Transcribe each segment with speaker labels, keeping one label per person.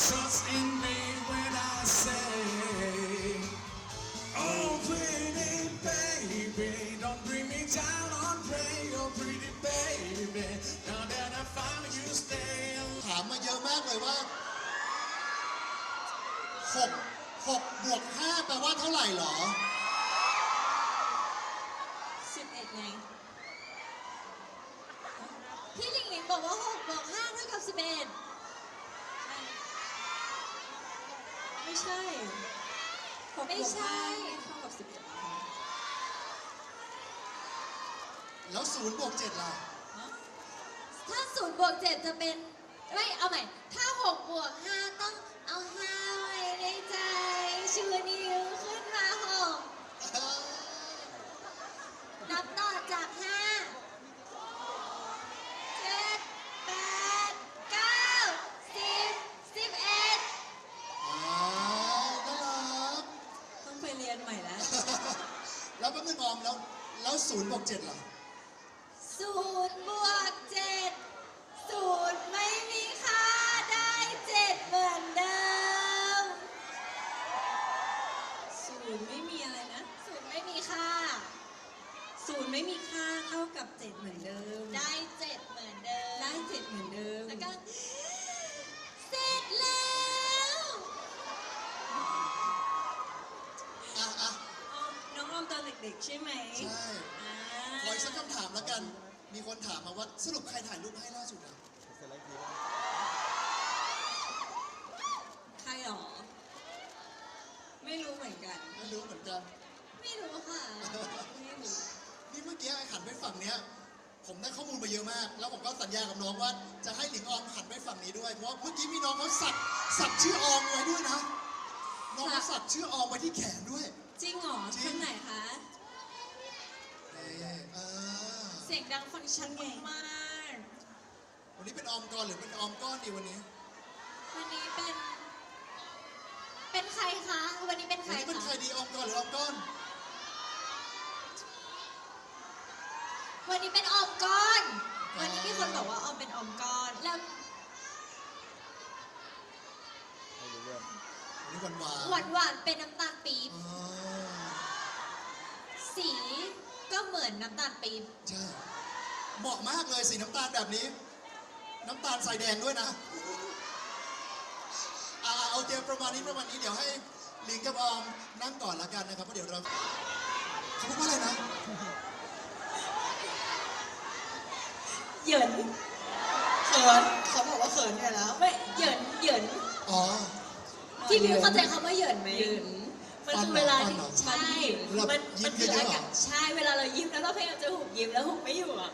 Speaker 1: Trust in me when I say, oh pretty baby, don't bring me down on pray, oh pretty baby, now that I found you stay.
Speaker 2: ถามมาเยอะมากเลยว่า6บวก5แปลว่าเท่าไหร่หรอ
Speaker 3: 11ไงพี่หลิงหลิงบอกว่า6บวก5เท่ากับ11ไม่ใช่ไม่ใช่เท่ากับ11
Speaker 2: แล้ว0บวก7ล่ะ
Speaker 3: ถ้า0บวก7จะเป็นไม่เอาใหม่ถ้า6บวก5ต้องเอา5ไว้ในใจชูนิ้วขึ้นมา6นับต่อจาก5 7 8 9 10 11
Speaker 2: น่ารัก
Speaker 3: ต้องไปเรียนใหม่แล้ว
Speaker 2: แล้วแป๊บนึงออมแล้ว0บวก7ล่ะ
Speaker 3: 0บวก7 0ไม่มีค่าได้7เหมือนเดิม0ไม่มีอะไรนะ0ไม่มีค่า0ไม่มีค่าเท่ากับ7เหมือนเดิมได้7เหมือนเดิมได้7เหมือนเดิมแล้วก็เสร็จแล้วน้องออมตอนเด็กๆใช่ไหม
Speaker 2: ใช่ขออีกสักคำถามแล้วกันมีคนถามมาว่าสรุปใครถ่ายรูปให้ล่าสุดอ่ะ
Speaker 3: ใครหรอไม่รู้เหมือนกัน
Speaker 2: ไม่รู้เหมือนกัน
Speaker 3: ไม่รู้ค่ะไม่รู้
Speaker 2: นี่เมื่อกี้ไอ้หันไปฝั่งเนี้ยผมได้ข้อมูลมาเยอะมากแล้วผมก็สัญญากับน้องว่าจะให้หลิงออมหันไปฝั่งนี้ด้วยเพราะเมื่อกี้มีน้องเขาสักชื่อออมไว้ด้วยนะน้องเขาสักชื่อออมไว้ที่แขนด้วย
Speaker 3: จริงเหรอท่านไหนคะเสียงดังฟังชัดมาก
Speaker 2: วันนี้เป็นออมก้อนหรือเป็นออมก้อนดีวันนี้
Speaker 3: เป็นใครคะวันนี้เป็นใคร
Speaker 2: วันนี้เป็นใครดีออมก้อนหรือออมก้อน
Speaker 3: วันนี้เป็นออมก้อนวันนี้มีคนบอกว่าออมเป็นออมก้อนแล้ว
Speaker 2: นี่ห
Speaker 3: วานเป็นน้ำตาลปี๊บสีก็เหมือนน้ำตาลปี๊บ
Speaker 2: ใช่เหมาะมากเลยสีน้ำตาลแบบนี้น้ำตาลใส่แดงด้วยนะโอเคประมาณนี้เดี๋ยวให้ลิงกับออมนั่งก่อนละกันนะครับเพราะเดี๋ยวเราเขาพูดว่าอะไรนะ
Speaker 3: เหยิน
Speaker 4: เขินเขาบอกว่าเขินเนี่ยแล้ว
Speaker 3: ไม่เหยิน
Speaker 2: อ๋อ
Speaker 3: ที่พี่เข้าใจคำว่าเหยินไหมมันคือเวลาที่ใช่มันคืออากาศใช่เวลาเรายิ้มแล้วเราพยายามจะหุบยิ้มแล้วหุบไม่อยู่อ่ะ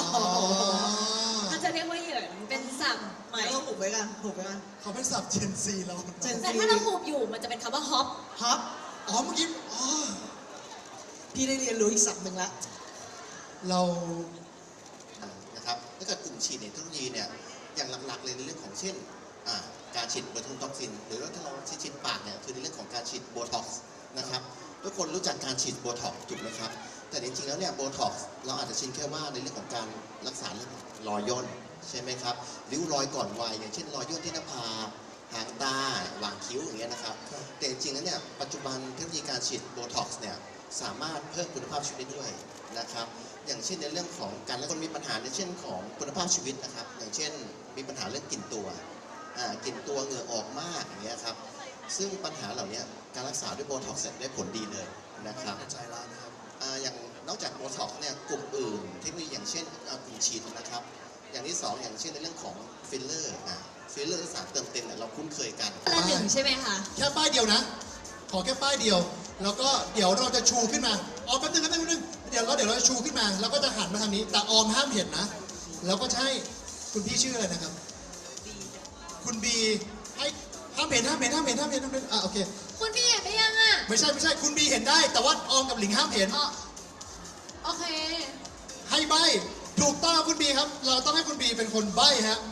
Speaker 3: เขาจะเรียกว่าเหยินเป็นศัพท์
Speaker 4: ไหมเราหุบไว้กัน
Speaker 2: เขาเป็นศัพท์เจนซีเรา
Speaker 3: แต่ถ้าเราหุบอยู่มันจะเป็นคำว่าฮอป
Speaker 2: อ๋อเมื่อกี้
Speaker 4: พี่ได้เรียนรู้อีกศัพท์หนึ่งละ
Speaker 2: เรา
Speaker 5: นะครับถ้าเกิดกลุ่มฉีดในเทคโนโลยีเนี่ยอย่างหลักๆเลยในเรื่องของเช่นการฉีดโบทูลท็อกซินหรือว่าถ้าเราฉีดปากเนี่ยคือในเรื่องของการฉีดโบท็อกซ์นะครับทุกคนรู้จักการฉีดโบท็อกซ์ถูกไหมครับแต่จริงๆแล้วเนี่ยโบท็อกซ์เราอาจจะชินแค่ว่าในเรื่องของการรักษาเรื่องรอยย่นใช่ไหมครับริ้วรอยก่อนวัยอย่างเช่นรอยย่นที่หน้าผากหางตาหว่างคิ้วอย่างเงี้ยนะครับแต่จริงๆแล้วเนี่ยปัจจุบันเทคโนโลยีการฉีดโบท็อกซ์เนี่ยสามารถเพิ่มคุณภาพชีวิตได้ด้วยนะครับอย่างเช่นในเรื่องของการและคนมีปัญหาในเช่นของคุณภาพชีวิตนะครับอย่างเช่นมีปัญหาเรื่องกลิ่นตัวเหงื่อออกมากอย่างเงี้ยครับซึ่งปัญหาเหล่านี้การรักษาด้วยโบท็อกซ์ได้ผลดีเลยนะครับ
Speaker 2: ใจร้านนะครับ
Speaker 5: อย่างนอกจากโบท็อกซ์เนี่ยกลุ่มอื่นเทคโนโลยีอย่างเช่นกลุ่มฉีดนะครับอย่างที่2อย่างเช่นในเรื่องของฟิลเลอร์สารเติมเต็มเนี่ยเราคุ้นเคยกัน
Speaker 3: ละหนึ่งใช่ไหมคะ
Speaker 2: แค่ป้ายเดียวนะขอแค่ป้ายเดียวแล้วก็เดี๋ยวเราจะชูขึ้นมาออมแป๊บนึงเดี๋ยวเราจะชูขึ้นมาแล้วก็จะหันมาทางนี้แต่ออมห้ามเห็นนะแล้วก็ใช่คุณพี่ชื่ออะไรนะครับคุณบีให้ห้ามเห็นโอเค
Speaker 3: คุณบีเห็นไปยังอ่ะ
Speaker 2: ไม่ใช่คุณบีเห็นได้แต่ว่าออมกับหลิงห้ามเห็น
Speaker 3: โอเค
Speaker 2: ให้ใบถูกต้องคุณบีครับเราต้องให้คุณบีเป็นคนใบฮะ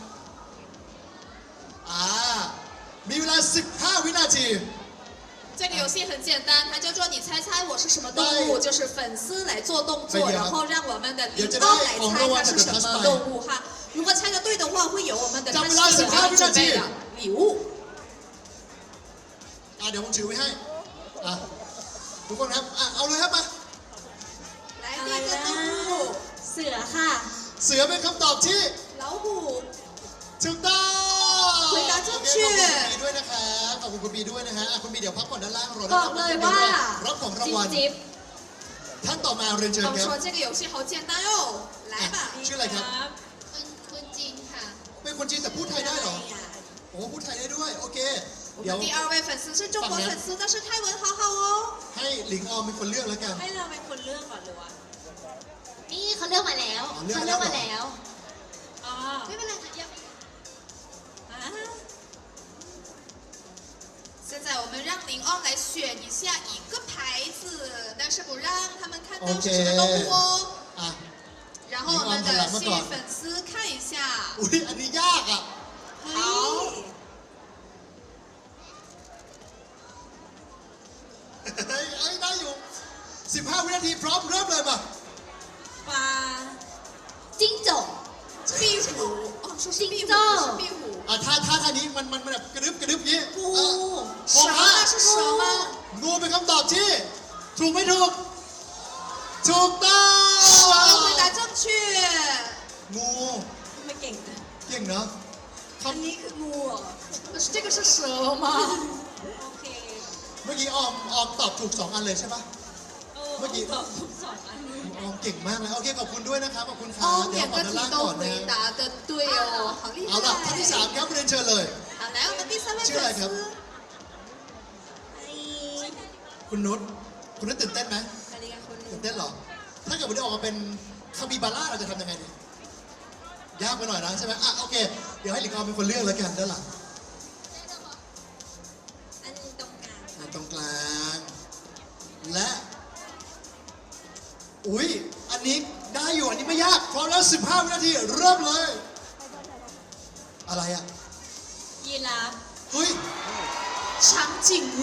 Speaker 2: มีเวลา15วินาที
Speaker 6: 这个游戏很简单，它叫做你猜猜我是什么动物，就是粉丝来做动作，然后让我们的领导来猜它是什么动物哈。如果猜的对的话，会有我们的他心里面准备的礼物。
Speaker 2: เดี๋ยวผมถือไว้ให้อ่ะทุกคนครับเอาเลยครับมา
Speaker 6: 来
Speaker 3: อะไร
Speaker 6: 第一个
Speaker 3: นะ
Speaker 6: 动物
Speaker 3: เสือค่ะ
Speaker 2: เสือเป็นคำตอบที่
Speaker 6: 老虎
Speaker 2: ถูกต้อง
Speaker 6: 回答正确
Speaker 2: ขอบคุณคุณบีด้วยนะครับขอบคุณคุณบีด้วยนะฮะคุณบีเดี๋ยวพักผ่อนด้านล่างรอ
Speaker 3: บอกเลยว่า
Speaker 2: รับของรางวัล
Speaker 3: จิ๊บ
Speaker 2: ท่านต่อมาเรียนเชิญ
Speaker 6: 他们
Speaker 2: ครับ
Speaker 6: 说这个游戏好简单哦来吧
Speaker 2: ชื่ออะไรครับ
Speaker 6: 坤金ค่ะ
Speaker 2: เป็นคนจีนแต่พูดไทยได้เหรอโอ้พูดไทยได้ด้วยโอเค
Speaker 6: 我
Speaker 2: เดี๋ยว
Speaker 6: 们第二位粉丝是中国粉丝但是泰文好好哦
Speaker 2: ให้หลิงออมเป็นคนเลือกแล้วกัน
Speaker 3: ให้เราเป็นคนเลือกก่อนหรือวะนี่เขาเลือกมาแล้ว
Speaker 2: อ๋อเลือก
Speaker 3: เขา
Speaker 2: แล้
Speaker 3: เลื
Speaker 2: ว
Speaker 3: อก
Speaker 2: เหรอ
Speaker 3: มาแล้วอ๋อ
Speaker 6: ไม่เป็นไรค่ะยัง
Speaker 3: อ่า
Speaker 6: 现在我们让林奥来选一下一个牌子，但是不让他们看到是什么动物哦。
Speaker 2: อ่ะ
Speaker 6: 然后我们的幸运粉丝看一下。
Speaker 2: อุ้ยอันนี้ยากอ่ะ
Speaker 6: 好，
Speaker 2: เฮ้ยได้อยู่ 15 วินาทีพร้อมเริ่มเลยมา
Speaker 3: ปลาจิ้งจก
Speaker 6: 壁虎。哦，说是壁虎，
Speaker 3: จิ้งจอก
Speaker 6: 不是壁虎。
Speaker 2: อ่ะท่าทางนี้มันแบบกระดึบอย่างนี้
Speaker 3: งู
Speaker 6: 蛇吗？是蛇吗？
Speaker 2: งูเป็นคำตอบที่ ถูกไม่ถูก ถูกต้อง
Speaker 6: 蛇，回答正确。
Speaker 2: งู
Speaker 3: ไม่เก่งนะ
Speaker 2: เก่งเนาะ
Speaker 3: อันนี้คืองูเหรอ
Speaker 6: 可是这个是蛇吗？
Speaker 3: โอเค
Speaker 2: เมื่อกี้ออมตอบถูก 2 อันเลยใช่ปะ เมื่อกี้
Speaker 3: ตอบทุกสองอันเลย
Speaker 2: ออมเก่งมากเลยโอเคขอบคุณด้วยนะครับขอบคุณครับ
Speaker 6: 哦，
Speaker 2: เดี๋ยว
Speaker 6: 两
Speaker 2: ขอ
Speaker 6: 个
Speaker 2: ด้าน
Speaker 6: 题
Speaker 2: ล่าง
Speaker 6: 都
Speaker 2: ก่อน
Speaker 6: 回
Speaker 2: นะ
Speaker 6: 答的对哦，好厉
Speaker 2: เอาล่ะท่านที่
Speaker 6: 害。
Speaker 2: 3ครับเรียนเชิญเลย
Speaker 6: 好，来我们第三位
Speaker 2: ชื่ออะไร
Speaker 6: 粉
Speaker 2: ครับ
Speaker 6: 丝。
Speaker 3: ไอ้
Speaker 2: คุณนุชตื่นเต้นไหม
Speaker 3: อะไรกันคน
Speaker 2: ตื่นเต้นเหรอ ถ้าเกิดวันนี้ออกมาเป็นคาบิบาร่าเราจะทำยังไงดียากไปหน่อยนะใช่ไหมอ่ะโอเค เดี๋ยวให้หลิงออมเป็นคนเลือกแล้วกันด้านหลัง
Speaker 3: อันนี้ตรงกลาง
Speaker 2: อ่ะตรงกลาง และ อุ๊ย อันนี้ได้อยู่ อันนี้ไม่ยากพร้อมแล้ว 15 วินาที เริ่มเลย อะไรอ่ะ
Speaker 3: ยีราฟ
Speaker 2: เฮ้ย
Speaker 6: 长颈鹿。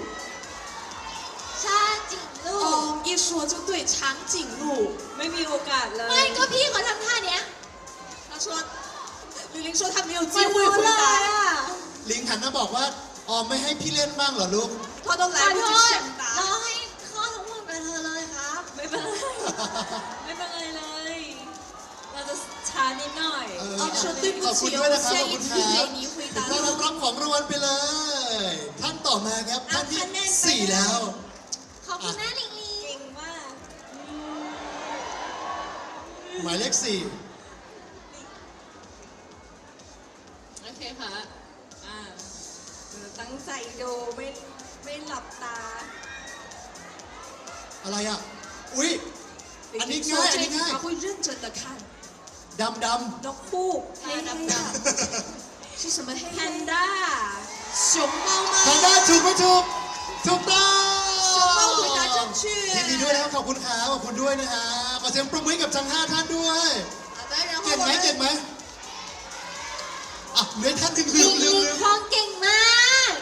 Speaker 3: ชาจิงลูก
Speaker 6: 哦，一说就对，长颈鹿。
Speaker 3: ไม่มีโอกาสเลย ไม่ก็พี่เขาทำท่าเนี้ย
Speaker 6: 他说，玲玲说她没有机
Speaker 3: ไม่
Speaker 6: 会
Speaker 3: รู้
Speaker 6: 回
Speaker 3: เลย
Speaker 6: 答，
Speaker 3: อ่ะ
Speaker 2: ลิงหันมาบอกว่า ออมไม่ให้พี่เล่นบ้างเหรอลูก
Speaker 6: 她都
Speaker 3: ขอ
Speaker 6: 来不
Speaker 3: โท
Speaker 6: 及
Speaker 3: ษ
Speaker 6: 选
Speaker 3: เรา
Speaker 6: 答。
Speaker 3: ให้ข้อทั้งหมดไปเธอเลยครับ ไม่เป็นไร ไม่เป็นไรเลย เราจะช้านิดหน่อย
Speaker 2: เออ
Speaker 6: 哦，说对不
Speaker 2: ขอบคุณ
Speaker 6: 起，
Speaker 2: ด้วย
Speaker 6: 我
Speaker 2: นะครับ
Speaker 6: 下
Speaker 2: ขอบ
Speaker 6: 一
Speaker 2: คุณ
Speaker 6: 题
Speaker 2: ครับ
Speaker 6: 给你回答
Speaker 2: ต้อนรับ
Speaker 6: 了。
Speaker 2: รับของรางวัลไปเลย ท่านต่อมาครับ ท่านที่ 4 แล้ว
Speaker 3: ขอบคุณนะลิงลิงเก่งมาก
Speaker 2: หมายเลข
Speaker 3: โอเคค่ะตั้งใจดูไม่หลับตา
Speaker 2: 4 อะไรอ่ะ อุ๊ย อันนี้
Speaker 6: 说
Speaker 2: ง่าย อัน
Speaker 6: 这
Speaker 2: นี้
Speaker 6: 题
Speaker 2: ง่าย
Speaker 6: 他会认真的看。
Speaker 2: ดำ
Speaker 3: นกคู่
Speaker 6: 黑黑的是什么黑
Speaker 3: แพ
Speaker 6: 黑
Speaker 3: นด้า
Speaker 6: 熊猫
Speaker 2: ทาง
Speaker 6: 吗？
Speaker 2: ด้านถูกไม่ถูก ถูกต้อง
Speaker 6: 熊猫回答正确。
Speaker 2: ยินดีด้วยนะครับขอบคุณครับขอบคุณด้วยนะฮะขอเสียงปรบมือให้กับทั้ง 5 ท่านด้วย
Speaker 6: 好的，然后
Speaker 2: เก่ง
Speaker 6: 我
Speaker 2: ไหมเก่ง
Speaker 6: 们
Speaker 2: ไหมอ่ะเหลือท่านหนึ่งลื
Speaker 3: ลิ
Speaker 2: ม
Speaker 3: ง
Speaker 2: ลื
Speaker 3: ลิ
Speaker 2: ม
Speaker 3: ง
Speaker 2: ลืม
Speaker 3: คลองเก่งมาก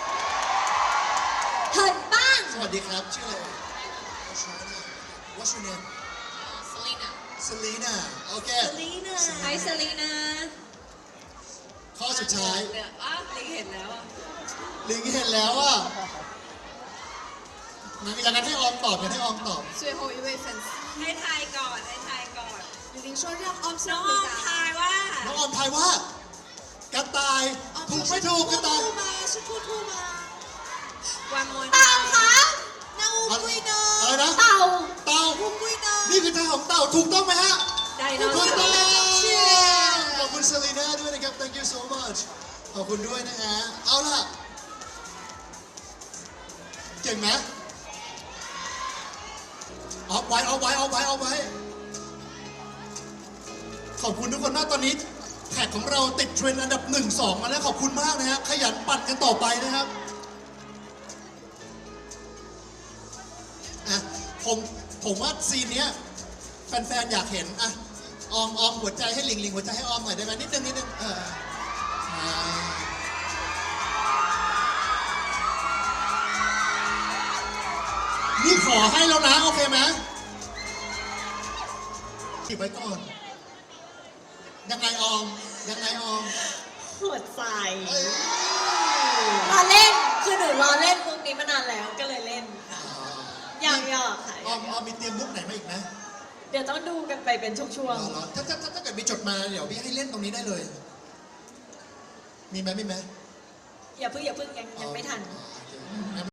Speaker 3: เหินบ้าง
Speaker 2: สวัสดีครับ ชื่ออะไร What's your name
Speaker 6: Selina。
Speaker 2: Selena โอเค
Speaker 3: ลีน่าไอซ์ลีนา
Speaker 2: ข้อสุดท้าย
Speaker 3: ลิงเห็นแล้วอ่ะ
Speaker 2: ลิงเห็นแล้วอ่ะอย่างนั้นให้ออมตอบอย่างนั้นให้ออมตอบ
Speaker 6: 最后一位粉丝，
Speaker 3: ให้ทายก่อนให้ทายก่อน
Speaker 6: 李玲说让 o 先
Speaker 3: น้อง
Speaker 6: 回
Speaker 3: ทา
Speaker 6: 答。
Speaker 3: ยว่า
Speaker 2: น้องออมทายว่า กระต่าย
Speaker 6: 哦，
Speaker 2: ถูก
Speaker 6: 这
Speaker 2: ไม่
Speaker 6: 是
Speaker 2: ถูก
Speaker 6: 兔
Speaker 2: กระต่าย
Speaker 6: 兔吗？是兔兔吗？
Speaker 3: วันมวย
Speaker 6: เต่าครับ那乌龟呢？
Speaker 2: อะไรนะ
Speaker 3: เต่า
Speaker 2: เต่า
Speaker 6: 乌龟呢？
Speaker 2: นี่คือทางของเต่าถูกต้องไหมฮะ
Speaker 3: ไดโน
Speaker 2: ถูก
Speaker 3: เสา
Speaker 2: ต้อง
Speaker 3: ร์
Speaker 2: ขอบคุณเซรีน่าด้วยนะครับ thank you so much ขอบคุณด้วยนะฮะ เอาล่ะ เก่งไหมเอาไว้ ขอบคุณทุกคนมากตอนนี้แท็กของเราติดเทรนด์อันดับ 1-2 มาแล้วขอบคุณมากนะฮะ ขยันปั่นกันต่อไปนะครับ อ่ะ ผมว่าซีนเนี้ยแฟนๆ อยากเห็น อ่ะ ออมหัวใจให้ลิงหัวใจให้ออมหน่อยได้ไหมนิดนึงใช่นี่ขอให้แล้วนะ โอเคไหมขีบไว้ก่อน ยังไงออม
Speaker 3: หัวใจ
Speaker 2: เอ้ย
Speaker 3: รอเล่น คือหนูรอเล่น
Speaker 2: เตรียมมุกไหนมาอีกไหม
Speaker 3: เดี๋ยวต้องดูกันไปเป็นช่วง
Speaker 2: เหรอถ้าเกิดมีจดมาเดี๋ยวพี่ให้เล่นตรงนี้ได้เลย มีไหม
Speaker 3: ๆอย่าเพิ่งยังไม่ทัน
Speaker 2: อ๋อโอเค